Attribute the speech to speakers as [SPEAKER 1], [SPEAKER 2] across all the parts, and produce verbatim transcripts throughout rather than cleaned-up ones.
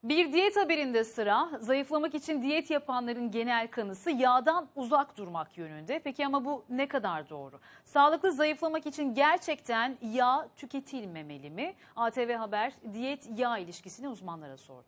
[SPEAKER 1] Bir diyet haberinde sıra. Zayıflamak için diyet yapanların genel kanısı yağdan uzak durmak yönünde. Peki ama bu ne kadar doğru? Sağlıklı zayıflamak için gerçekten yağ tüketilmemeli mi? A T V Haber diyet yağ ilişkisini uzmanlara sordu.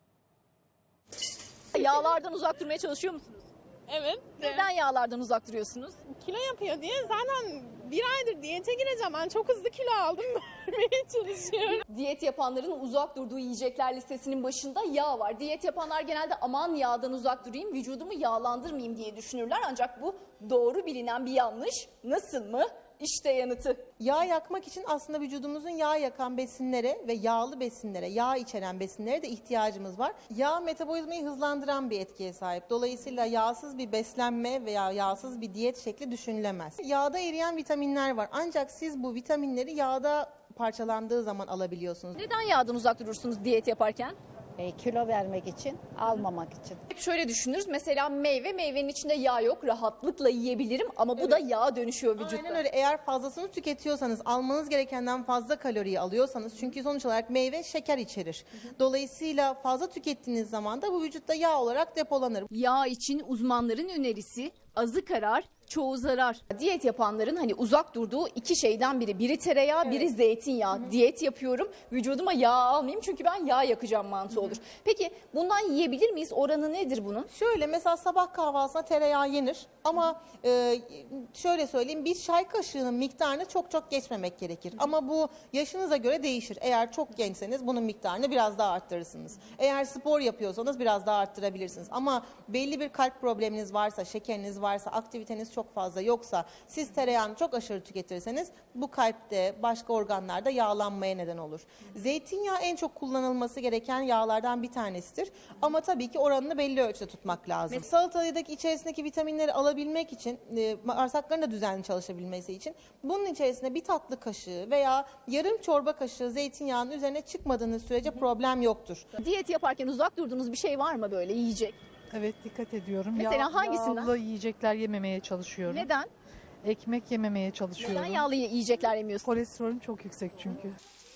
[SPEAKER 2] Yağlardan uzak durmaya çalışıyor musunuz?
[SPEAKER 3] Evet.
[SPEAKER 2] Neden yağlardan uzak duruyorsunuz?
[SPEAKER 3] Kilo yapıyor diye zaten bir aydır diyete gireceğim. Ben çok hızlı kilo aldım. Vermeye çalışıyorum.
[SPEAKER 2] Diyet yapanların uzak durduğu yiyecekler listesinin başında yağ var. Diyet yapanlar genelde aman yağdan uzak durayım, vücudumu yağlandırmayayım diye düşünürler. Ancak bu doğru bilinen bir yanlış. Nasıl mı? İşte yanıtı.
[SPEAKER 4] Yağ yakmak için aslında vücudumuzun yağ yakan besinlere ve yağlı besinlere, yağ içeren besinlere de ihtiyacımız var. Yağ metabolizmayı hızlandıran bir etkiye sahip. Dolayısıyla yağsız bir beslenme veya yağsız bir diyet şekli düşünülemez. Yağda eriyen vitaminler var. Ancak siz bu vitaminleri yağda parçalandığı zaman alabiliyorsunuz.
[SPEAKER 2] Neden yağdan uzak durursunuz diyet yaparken?
[SPEAKER 5] E, kilo vermek için, almamak için.
[SPEAKER 2] Hep şöyle düşünürüz. Mesela meyve, meyvenin içinde yağ yok. Rahatlıkla yiyebilirim ama bu da yağa dönüşüyor vücutta.
[SPEAKER 4] Aynen öyle. Eğer fazlasını tüketiyorsanız, almanız gerekenden fazla kaloriyi alıyorsanız, çünkü sonuç olarak meyve şeker içerir. Dolayısıyla fazla tükettiğiniz zaman da bu vücutta yağ olarak depolanır.
[SPEAKER 2] Yağ için uzmanların önerisi azı karar, çoğu zarar. Diyet yapanların hani uzak durduğu iki şeyden biri. Biri tereyağı, evet. Biri zeytinyağı. Hı-hı. Diyet yapıyorum, vücuduma yağ almayayım çünkü ben yağ yakacağım mantığı Hı-hı. olur. Peki bundan yiyebilir miyiz? Oranı nedir bunun?
[SPEAKER 4] Şöyle mesela sabah kahvaltısına tereyağı yenir ama e, şöyle söyleyeyim, bir çay kaşığının miktarını çok çok geçmemek gerekir. Hı-hı. Ama bu yaşınıza göre değişir. Eğer çok gençseniz bunun miktarını biraz daha arttırırsınız. Eğer spor yapıyorsanız biraz daha arttırabilirsiniz. Ama belli bir kalp probleminiz varsa, şekeriniz varsa, aktiviteniz çok fazla yoksa, siz tereyağını çok aşırı tüketirseniz bu kalpte, başka organlarda yağlanmaya neden olur. Zeytinyağı en çok kullanılması gereken yağlardan bir tanesidir. Ama tabii ki oranını belli ölçüde tutmak lazım. Mesela salatadaki içerisindeki vitaminleri alabilmek için, bağırsakların da düzenli çalışabilmesi için bunun içerisine bir tatlı kaşığı veya yarım çorba kaşığı zeytinyağının üzerine çıkmadığınız sürece problem yoktur.
[SPEAKER 2] Diyet yaparken uzak durduğunuz bir şey var mı böyle yiyecek?
[SPEAKER 6] Evet, dikkat ediyorum.
[SPEAKER 2] Mesela
[SPEAKER 6] Yağ,
[SPEAKER 2] hangisinden?
[SPEAKER 6] Yağlı yiyecekler yememeye çalışıyorum.
[SPEAKER 2] Neden?
[SPEAKER 6] Ekmek yememeye çalışıyorum.
[SPEAKER 2] Neden yağlı yiyecekler yemiyorsunuz?
[SPEAKER 6] Kolesterolüm çok yüksek çünkü.